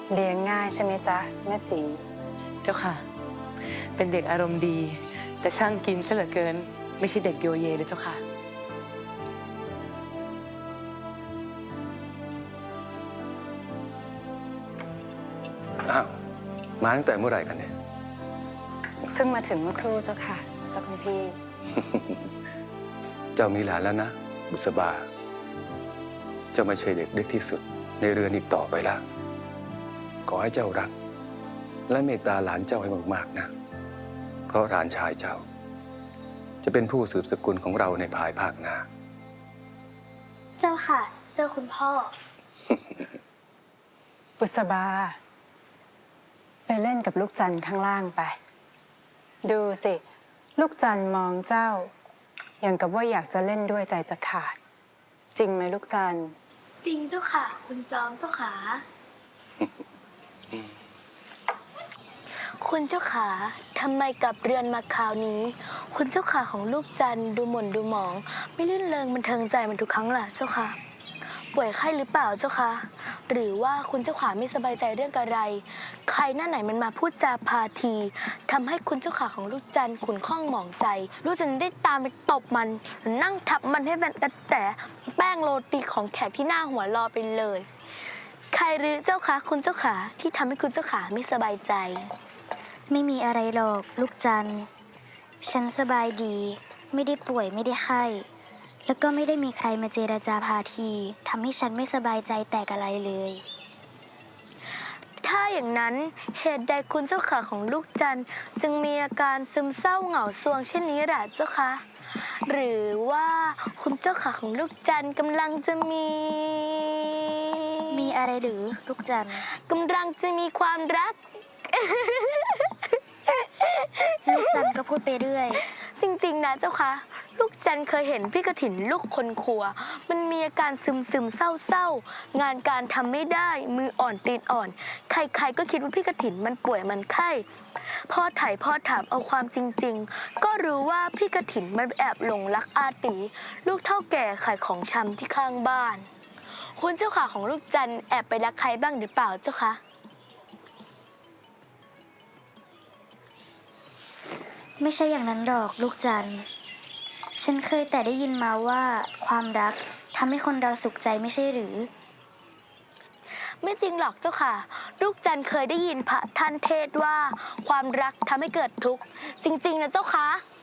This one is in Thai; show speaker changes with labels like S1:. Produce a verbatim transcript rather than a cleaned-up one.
S1: เลี้ยงง่ายใช่ไหมจ๊ะแม่สี
S2: เจ้าค่ะเป็นเด็กอารมณ์ดีแต่ช่างกินซะเหลือเกินไม่ใช่เด็กโยเยเลยเจ้าค่ะ
S3: อ้าวมาตั้งแต่เมื่อไหร่กันเนี่ย
S1: เพิ่งมาถึงเมื่อครู่เจ้าค่ะเจ้าคุณพี่
S3: เจ้ามีหลานแล้วนะบุษบาเจ้าไม่ใช่เด็กเล็กที่สุดในเรือนอีกต่อไปแล้วขอให้เจ้ารักและเมตตาหลานเจ้าให้มากๆนะเพราะหลานชายเจ้าจะเป็นผู้สืบสกุลของเราในภายภาคหน้า
S4: เจ้าค่ะเจ้าคุณพ่อ
S1: บุษบาไปเล่นกับลูกจันทร์ข้างล่างไปดูสิลูกจันทร์มองเจ้าอย่างกับว่าอยากจะเล่นด้วยใจจะขาดจริงไหมลูกจันทร์
S4: จริงเจ้าค่ะคุณจอมเจ้าขาคุณเจ้าขาทำไมกลับเรือนมาคราวนี้คุณเจ้าขาของลูกจันทร์ดูหม่นดูหมองไม่ลื่นเริงบันเทิงใจเหมือนทุกครั้งล่ะเจ้าค่ะป่วยไข้หรือเปล่าเจ้าคะหรือว่าคุณเจ้าขาไม่สบายใจเรื่องอะไรใครหน้าไหนมันมาพูดจาพาทีทำให้คุณเจ้าขาของลูกจันทร์ขุ่นข้องหมองใจลูกจันทร์ได้ตามไปตบมันนั่งทับมันให้เป็นแต่แป้งโรตีของแขกที่หน้าหัวรอไปเลยใครหรือเจ้าคะคุณเจ้าขาที่ทำให้คุณเจ้าขาไม่สบายใจไม่มีอะไรหรอกลูกจันทร์ฉันสบายดีไม่ได้ป่วยไม่ได้ไข้แล้วก็ไม่ได้มีใครมาเจรจาพาทีทำให้ฉันไม่สบายใจแต่อะไรเลยถ้าอย่างนั้นเหตุใดคุณเจ้าขาของลูกจันทร์จึงมีอาการซึมเศร้าเหงาซวงเช่นนี้ล่ะเจ้าคะหรือว่าคุณเจ้าขาของลูกจันทร์กำลังจะมีมีอะไรหรือลูกจันทร์กำลังจะมีความรัก ลูกจันทร์ก็พูดไปเรื่อยจริงๆนะเจ้าคะลูกจันทร์เคยเห็นพี่กฐินลูกคนครัวมันมีอาการซึมซึมเศร้าเศร้างานการทำไม่ได้มืออ่อนตีนอ่อนใครๆก็คิดว่าพี่กฐินมันป่วยมันไข้พ่อถ่ายพ่อถามเอาความจริงๆก็รู้ว่าพี่กฐินมันแอบหลงรักอาตีลูกเฒ่าแก่ขายของชำที่ข้างบ้านคุณเจ้าขาของลูกจันทร์แอบไปรักใครบ้างหรือเปล่าเจ้าคะไม่ใช่อย่างนั้นหรอกลูกจันทร์ฉันเคยแต่ได้ยินมาว่าความรักทำให้คนเราสุขใจไม่ใช่หรือไม่จริงหรอกเจ้าค่ะลูกจันทร์เคยได้ยินพระท่านเทศว่าความรักทำให้เกิดทุกข์จริงๆนะเจ้าค่ะ